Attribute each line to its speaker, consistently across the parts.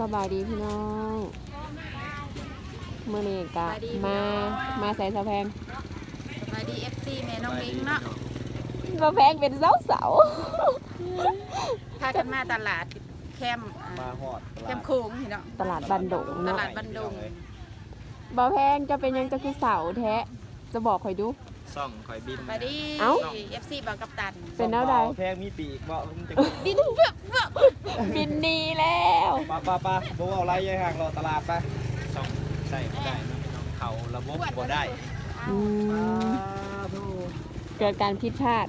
Speaker 1: สบายดีพี่น้องเมื่อนี้กะมาใส่สะแพง
Speaker 2: สวัสดี FC แม่น้องลิงเนาะ
Speaker 1: สะแพงเป็นเสา
Speaker 2: พากันมาตลาดแคมป์
Speaker 3: มาหอด
Speaker 2: แคมป์โค้งพี่เนาะ
Speaker 1: ตลาดบันดง
Speaker 2: ต
Speaker 1: เนาะ
Speaker 2: ลาดบันดง
Speaker 1: บ่แพงจะเป็นยังจะคือเสาแท้จะบอกคอยดู
Speaker 3: ซ่องคอยบิน
Speaker 2: สวัสดี
Speaker 1: เอ้า
Speaker 2: FC บางกัปตัน
Speaker 1: เป็นแนวใด
Speaker 3: แพงมีปีกบ่มันจะ
Speaker 2: บินเพื่อ
Speaker 1: บินหนีแล้ว
Speaker 3: ปะบ่เอาไรยัยห่างรอตลาดไปซ่องใส่ไม่ได้นะพี่น้องเขาระบบบ่ได้
Speaker 1: อืมเกิดการผิดพลาด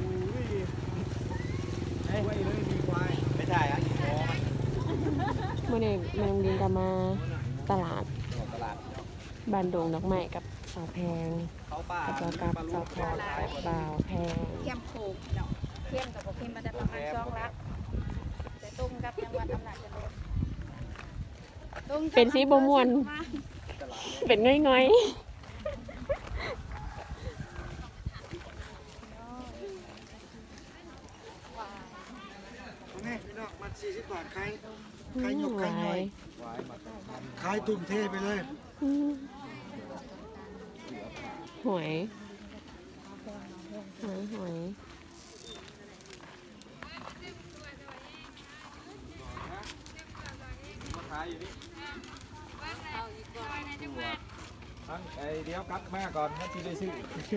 Speaker 3: ไม่ใช่อ่ะอีโมมัน
Speaker 1: เมื่อนี้แมงดินก็มาตลาด
Speaker 3: ตลาด
Speaker 1: บันดงดอกไม้กับสาวแพง
Speaker 3: เขาป่า
Speaker 1: กับสาวกับสาวพอกับบ่าวแพง
Speaker 2: แคมป์โค้งเนาะเข้มกับบ่เข้มมันจะประมาณ2ลักแต่ตุ้มกับจังหวัดอำนาจเจริญตุ้ม
Speaker 1: เป็นสีบมวนเป็นง่อย
Speaker 4: นี่พี่น้องมัน40 บาทขาย
Speaker 1: ๆ
Speaker 4: ขายหยกขายหน่อย
Speaker 3: ไว้มา
Speaker 4: ขายตุ่มเทไปเลย
Speaker 1: อืมหวยหวย
Speaker 3: มาขายอยู่นี่ทั้งไอเดี๋ยวกลับมาก่อนนะที่ได้ซื้อ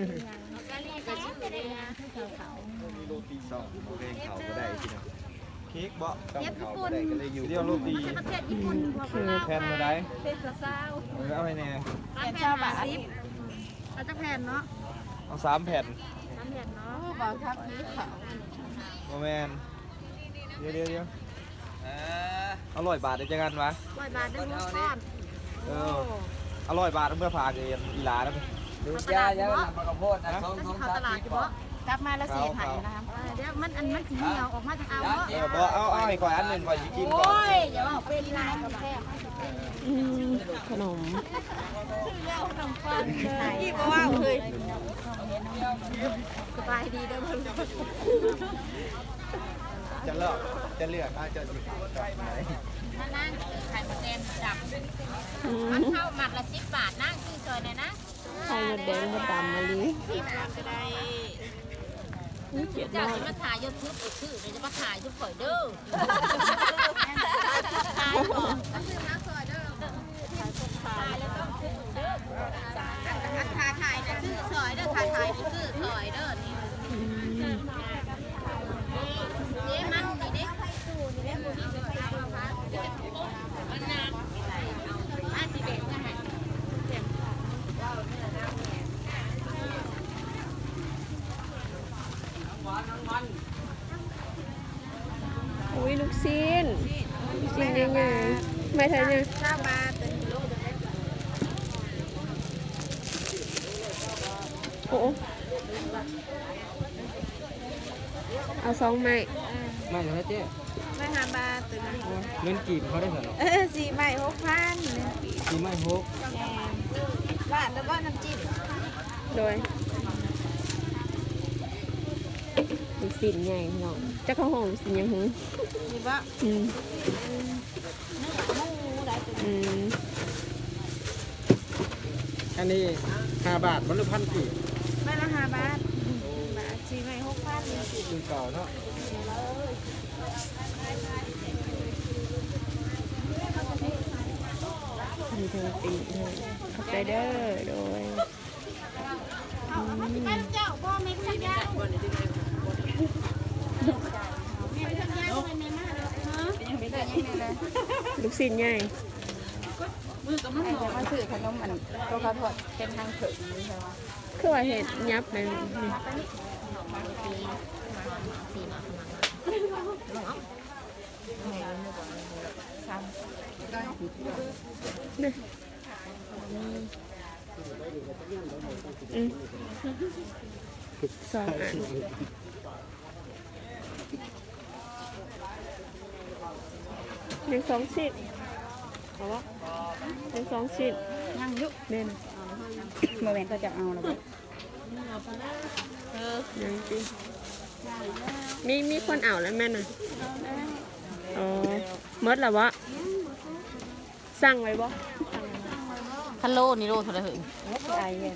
Speaker 3: มีโรตีซ่องโอเคเขาก็ได้พี่น้องเค้กบ่ต้องเขาก็ได้ก็เลยอยู่เดียวโรตี
Speaker 2: ประเทศญี่ปุ่นพวก
Speaker 3: คือแผ่นมาได้
Speaker 2: เทศซาว
Speaker 3: เอาไปแน่
Speaker 2: แผ่นชาวบาทเอาจักแผ่นเนาะ
Speaker 3: เอา3 แผ่น
Speaker 2: น้ำแผ่นเนาะบ่ครับนี้เขา
Speaker 3: โมแมนเดี๋ยวอร่อยบาทได้จังกันวะ
Speaker 2: 100 บาทได้หัวก้อน
Speaker 3: เอออร่อยบาทเมื่อพาเกนอีหลาแล้ว
Speaker 2: ดูยาแล้วนำมากระโพดนะเขาตลาดอยู่บ่กลับมาแล้วเสียหายนะครับเดี๋ยวมันสีเหนียวออกมาจากเอาเนาะ
Speaker 3: บ่เอาให้ก่อยอันหนึ่งก่อยสิกินก่อน
Speaker 2: โอ้ยอย่าว่าเป็นลายกับแค่
Speaker 1: อืมขนม
Speaker 2: พี่ก็ว่าเลยสบายดีเด้อเพิ่น
Speaker 3: จะเลือกจะสิไหน
Speaker 2: ถ้านั่งไข่มดแดงจับ
Speaker 1: อืม
Speaker 2: มันเข้าหมัดละ10 บาทนั่งซื้อซอยหน่อยนะ
Speaker 1: ไข่มดแดงมดดำมะลิ
Speaker 2: 10 บาทก็ได้
Speaker 1: เกลียด
Speaker 2: เจ้าม
Speaker 1: าก
Speaker 2: สิมาถ่ายยอดทึบอีกชื่อเดี๋ยวจะมาถ่ายทุกข่อยเด้อถ่ายก่อนซื้อมาซอยเด้อถ่ายแล้วต้องซื้อเด้อถ่ายนะซื้อซอยเด้อถ่ายซื้อซอยเด้อนี่
Speaker 1: อืม
Speaker 2: นี่มันนี่เด้มันนานสิเบ็ดนะฮะ
Speaker 1: อุ้ยลูกชิ้นยังไงไม่ทันยัง
Speaker 2: 9 บาทเป็นกิโล
Speaker 1: โอ้เอา2 ไม้
Speaker 3: ไม่เหรอเจ๊
Speaker 2: ไม่5 บาทตัวนี้
Speaker 3: เงินกีบเขาได้เหรอ
Speaker 2: 4 ใบ 6,000
Speaker 3: สีไม่ฮก
Speaker 2: บ้านแล้วก็น้ำจิ้ม
Speaker 1: โดยลูกชิ้นใหญ่พี่น้องจะเข้าห้องลูกชิ้นยังหึ
Speaker 2: มีบ่
Speaker 1: อืม
Speaker 2: หมูได้ตัว
Speaker 1: อืม
Speaker 3: อันนี้5 บาทมันหรือพันกีบ
Speaker 2: ใบละ5 บาทบาท4 ใบ 6,000
Speaker 3: คือเก่าเนาะ
Speaker 1: มีเธอตีเลยขอบใจเด้อโดย
Speaker 2: เจ้าบ่แม่ขยะบ่ได้ดึงแม่ขยะบ่แม่มาแล้วฮะยังไม่ได้ยังไงเลย
Speaker 1: ลูกชิ้นใหญ่
Speaker 2: มือกับมันบ่มาซื้อขนมอันตัวเขาทอดเป็นทางเถิดนี่ใช่ป่ะ
Speaker 1: คือว่าเห็ดยับเลยนี่นี่อืม2 อันยัง2 ชิ้นเอาวะยัง2 ชิ้น
Speaker 2: ยังยุ
Speaker 1: เด่น
Speaker 2: เมื่อแม่ก็จะเอาแล้วบ่
Speaker 1: ยังจริงมีคนเอาแล้วแม่น่ะอ๋อเมดแล้ววะสั่งไว้บ่
Speaker 2: คันโลนี่โลเท่าไหร่เหรอ
Speaker 1: ไอ้เนี่ย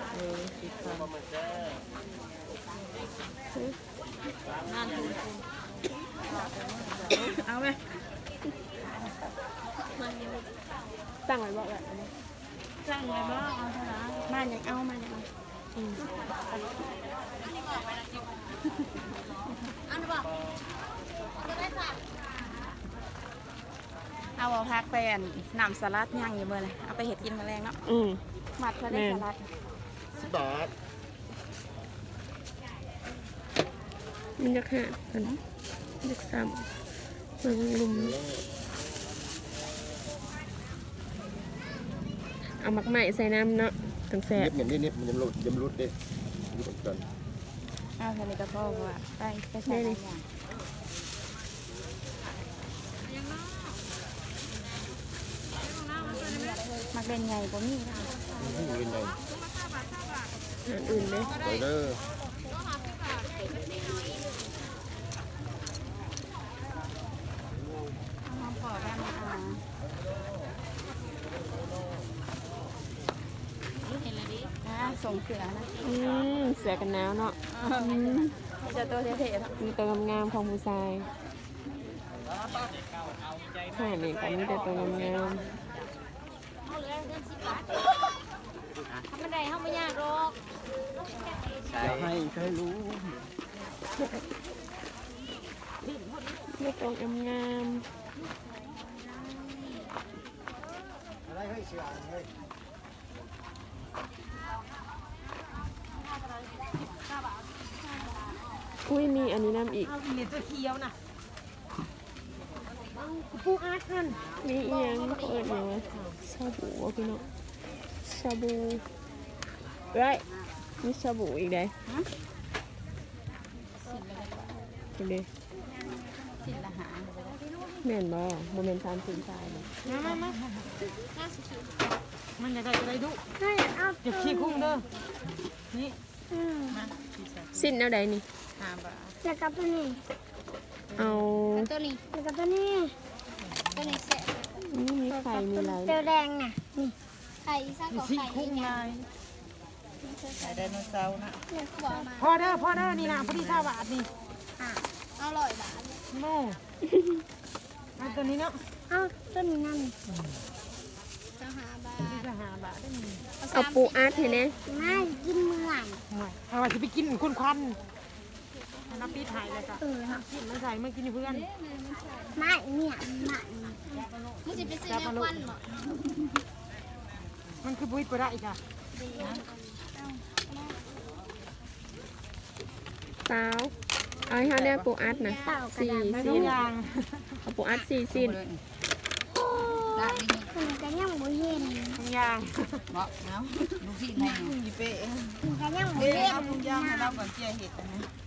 Speaker 1: เอาไหมสั่งไว้บ่แบบนี้
Speaker 2: สั่งไว้บ่เอาเท่าไหร่มายังเอามายังเอาอันนี้บ่เอาบ่พักไปอันน้ำสลัดย่างอยู่เบิ่เลยเอาไปเฮ็ดกินมื้อแรงเนาะ มัดเพื่อได้สลัด
Speaker 3: 10 บาท
Speaker 1: มันจะขาดกันเด็กซ้ำเมืองลุมเอาหมักไหม้ใส่น้ำเนาะถึงแสบ
Speaker 3: เน็บมันยังหลุดเด้ดูก่อน
Speaker 2: เอาเท่านี้ก็พอว่าไปใส่หลายอย่างมักเป็นไงบ่มีค่ะ
Speaker 3: นี่เงินเลย
Speaker 1: อาหารอื่นเลย
Speaker 3: ไปเด้อ
Speaker 2: เอาพอได้มาเอาเห็นแล้วดิส่งเสือนะ
Speaker 1: เสือกันหนาวเนาะ
Speaker 2: จะตัวเท่ๆเนาะ
Speaker 1: มีตัวงามๆของผู้ชายค่ะนี่ก็มีแต่ตัวงาม
Speaker 2: ทำบันไดเข้าไม่ยากหรอก
Speaker 3: จะให้ใครรู้
Speaker 1: ๆมีตัวงาม
Speaker 4: อะไรให้เสียเฮ้ย
Speaker 1: ๆอุ้ยมีอันนี้น้ำอีก
Speaker 2: เอาเหรียญตัวเขียวนะ
Speaker 1: ผู้อาร์ตนั่นมีอีหยังเขาเอิญอย่างวะชาบูวะพี่น้องชาบูไรมีชาบูอีกได้เห็นดิ
Speaker 2: สิละหา
Speaker 1: แม่นบ่โมเมนต์3 4 3เลย
Speaker 2: มามันจะได้ดุเก็บขี้คุ้งเด้อนี่
Speaker 1: สิ้นเอาใดนี่
Speaker 2: 5 บาท
Speaker 5: แล้วก็ตัวนี้
Speaker 1: เอา
Speaker 5: ตัวนี้แล้วก็ตัวนี้ตัวนี้เสร็จ
Speaker 1: นี่มีไข่มีอะไร
Speaker 5: เตียวแดงน่ะนี่ไข่ซ่ากับ
Speaker 2: ขี้
Speaker 5: ไข่
Speaker 2: คุ้ง
Speaker 5: เนี่ย
Speaker 2: ลายไดโนเสาร์นะ
Speaker 5: เนี่ยบอกมา
Speaker 2: พอเด้อนี่นะพอดี5 บาทนี่
Speaker 5: อร่อยบาท
Speaker 2: โม่อันตัวนี้เนาะ
Speaker 5: เอ้าต้นนี้นั่น
Speaker 2: จะ5 บาทได้นี่
Speaker 1: เอาปูอาร์ตเห็นไหม
Speaker 5: ไม่กินเมื่อย
Speaker 2: เอาว่าจะไปกินคุณควันน้ำปีถ่ายเลยค่ะ
Speaker 5: ครับ
Speaker 2: กินมาใส่มากินเพื่อน
Speaker 5: ไม่เนี่ยไม่
Speaker 2: มึงจะไปซื้อแนวควันเหรอมันคือบุ้ยปลาอีกอ่ะ
Speaker 1: สาวเอาให้เขาได้ปูอาร์ตนะ4
Speaker 2: ไม่
Speaker 1: สิ้
Speaker 2: ต้อง
Speaker 1: น
Speaker 2: ยาง
Speaker 1: เอาปูอาร์ต4 สิ้น
Speaker 5: มันก็ยังบ่เย็น
Speaker 2: ต้องยาง
Speaker 5: มันก็ยังบ่เย็น
Speaker 2: ต้องยางให้เราก่อนเจียเห็ดนะ